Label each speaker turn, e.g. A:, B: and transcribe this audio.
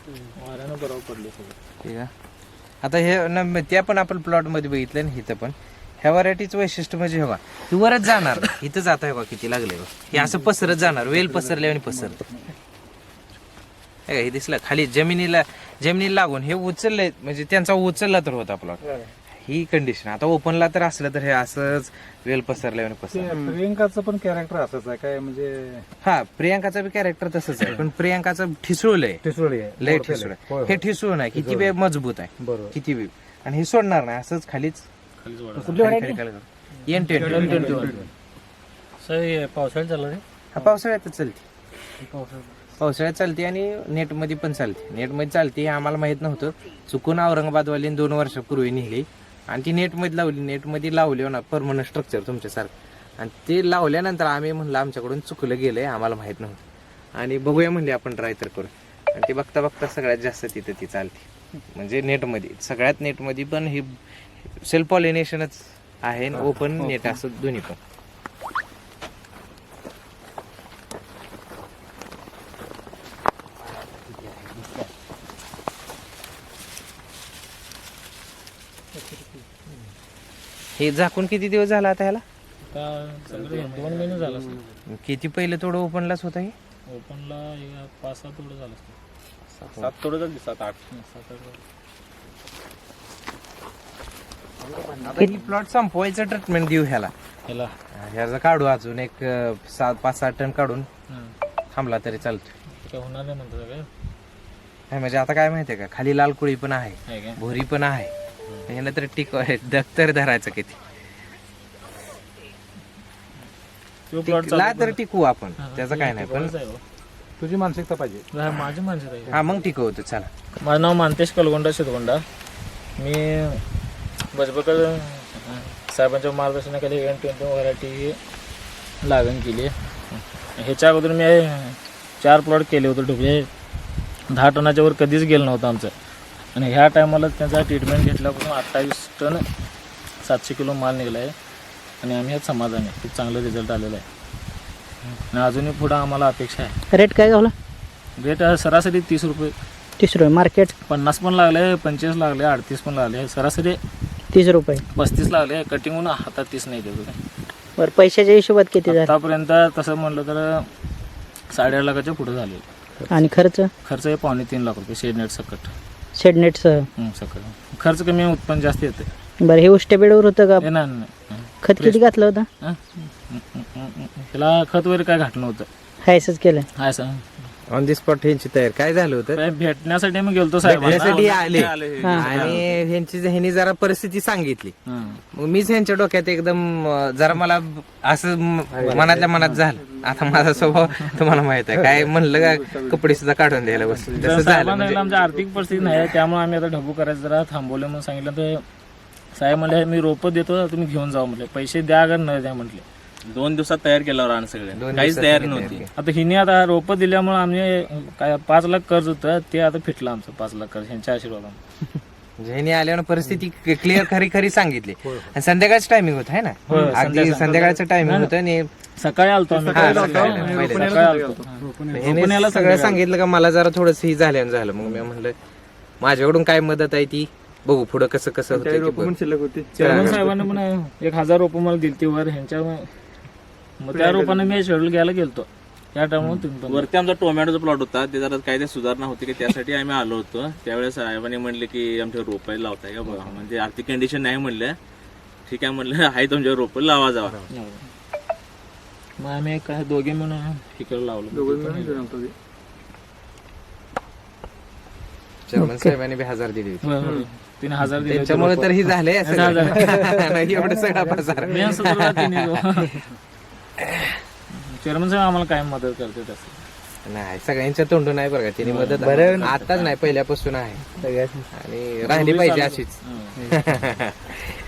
A: वाऱ्यानं बरोबर पडले
B: ठीक आहे. आता हे त्या पण आपण प्लॉट मध्ये बघितलं ना, इथं पण ह्या व्हरायटीचं वैशिष्ट्य म्हणजे हवा ती वरच जाणार इथं जात आहे किती लागले हे असं पसरत जाणार, वेल पसरले आणि पसरत हे दिसलं खाली जमिनीला लागून हे उचललंय म्हणजे त्यांचा उचलला तर होता प्लॉट ही कंडिशन. आता ओपनला तर असलं तर हे असंच वेल पसरल्यावर पसरलं.
A: प्रियंकाचं पण कॅरेक्टर असंच आहे काय म्हणजे
B: हा प्रियांकाचं बी कॅरेक्टर तसंच आहे, पण प्रियांकाचं ठिसूळलंय
A: ठिसूळी आहे
B: लय ठिसूळ आहे. हे ठिसूळ नाही किती वेळ मजबूत आहे
A: बरोबर.
B: किती वेळ आणि हे सोडणार नाही असंच खालीच
A: पावसाळ्यात चालू रे
B: हा पावसाळ्यातच चालते, पावसाळ्यात चालते आणि नेटमध्ये पण चालते. नेटमध्ये चालते हे आम्हाला माहित नव्हतं, चुकून औरंगाबादवाली 2 वर्षापूर्वी निघली आणि ती नेटमध्ये लावली. नेटमध्ये लावली ना परमनंट स्ट्रक्चर तुमच्यासारखं, आणि ते लावल्यानंतर आम्ही म्हणलं आमच्याकडून चुकलं गेलंय, आम्हाला माहित नव्हतं आणि बघूया म्हणले आपण ट्राय तर करू. आणि ते बघता बघता सगळ्यात जास्त तिथं ती चालते म्हणजे नेटमध्ये. सगळ्यात नेटमध्ये पण हे सेल्फ पॉलिनेशनच आहे, ओपन नेट असं दोन्ही पण. हे झाकून किती दिवस झाला आता ह्याला?
A: 2 महिने झाला
B: किती पहिले थोडं ओपनलाच होतं हे?
A: ओपनला 5-7 तोडं झालं 7 तोडं झाली 7-8
B: प्लॉट संपवायचं ट्रीटमेंट देऊ ह्याला ह्याचं काढू अजून एक 5-6 टन काढून थांबला तरी चालतो.
A: काय होणार नाही म्हणतो काय
B: नाही म्हणजे आता काय माहितीये का, खाली लाल कुळी पण आहे, भोरी पण आहे, ह्याला तर टिक दफ्तर धरायचं किती ला तर टिकवू आपण, त्याचं काय नाही. पण
A: तुझी मानसिकता पाहिजे. माझी मानसिकता
B: हा मग टिकवतो. चला,
A: माझं नाव मानतेश कलगोंडा शिरगोंडा. मी बजबकर साहेबांच्या मार्गदर्शनाखाली N20 व्हरायटी लागण केली. ह्याच्या अगोदर मी 4 प्लॉट केले होते ढोबळे. 10 टनाच्या वर कधीच गेलं नव्हतं आमचं. आणि ह्या टायमाला त्यांचा ट्रीटमेंट घेतल्यापासून 28 टन 700 किलो माल निघाला आहे. आणि आम्ही ह्यात समाधान आहे, खूप चांगलं रिझल्ट आलेला आहे. आणि अजूनही पुढं आम्हाला अपेक्षा आहे.
C: रेट काय गावला?
A: रेट सरासरी 30 रुपये.
C: 30 रुपये मार्केट.
A: 50 पण लागले, 25 लागले, 38 पण लागले. सरासरी
C: 30 रुपये.
A: 35 लागले. कटिंग होऊन हातात 30 नाही देतो.
C: बरं, पैशाच्या हिशोबात किती झालं
A: आतापर्यंत तसं म्हणलं तर 8.5 लाखाच्या पुढे झाले.
C: आणि खर्च?
A: खर्च आहे 2.5-3 लाख रुपये शेडनेट सकट.
C: शेडनेटसह
A: सकट खर्च कमी, उत्पन्न जास्त येते.
C: बरं, हे उष्ट्या बेडवर होतं का?
A: नाही.
C: खत किती घातलं होतं?
A: त्याला खत वगैरे काय घातलं नव्हतं,
C: हायसच केलं.
A: Hi sir.
B: On the spot ह्यांची तयार काय झालं होतं,
A: भेटण्यासाठी मी गेलतो साहेबांना.
B: भेटण्यासाठी आले आणि ह्यांनी जरा परिस्थिती सांगितली. मग मीच ह्यांच्या डोक्यात एकदम जरा मला असं मनातल्या मनात झालं. आता माझा स्वभाव तुम्हाला माहित आहे, काय म्हणलं का कपडे सुद्धा काढून द्यायला बस तसं झालं. म्हणजे
A: आमची आर्थिक परिस्थिती नाही, त्यामुळे आम्ही आता ढबू करायचं जरा थांबवलं. म्हणून सांगितलं तर साहेब म्हणले मी रोपं देतो, तुम्ही घेऊन जाऊ म्हटले. पैसे द्या अगर न द्या म्हटले.
D: 2 दिवसात तयार केल्यावर आणि सगळे काहीच तयारी नव्हती.
A: आता हिने आता रोपं दिल्यामुळे आम्ही काय 5 लाख कर्ज होतं, ते आता फिटलं आमचं 5 लाख कर्ज ह्यांच्या आशीर्वादाने.
B: ह्यांनी आल्यावर परिस्थिती क्लिअर खरी सांगितली. आणि संध्याकाळचं टायमिंग होतं है ना, अगदी संध्याकाळचं टायमिंग होतं. आणि
A: सकाळी आलतो आम्ही.
B: ह्यांनी सगळं सांगितलं का मला जरा थोडस ही झालं. मग मी म्हणलं माझ्याकडून काय मदत आहे ती बघू, पुढं कसं होतं.
A: चेअरमन साहेबांना पण 1000 रोपं मला दिलती वर ह्यांच्या. मग त्या रोपाने मी शेड्यूल घ्यायला गेलतो त्या टायमाला.
D: वरती आमचा टोमॅटोचा प्लॉट होता, ते जरा काय ते सुधारणा होती की त्यासाठी आम्ही आलो होतो. त्यावेळेस साहेबांनी म्हणले की आमच्या रोपं लावताय का बघा, म्हणजे आर्थिक कंडिशन नाही म्हणलं. ठीक आहे म्हणलं, आहे तुमच्या रोपं लावा जावा.
A: मग आम्ही काय दोघे म्हणून इकडे लावलं.
B: चेअरमन साहेबांनी 1000 दिली,
A: 3000 दिले.
B: त्याच्यामुळे तर ही झाले एवढं सगळा बाजार.
A: चेअरमन साहेब आम्हाला काय मदत करते तसं
B: नाही, सगळ्यांच्या तोंडून नाही बरं का तिने मदत. आताच नाही, पहिल्यापासून आहे आणि राहिली पाहिजे अशीच.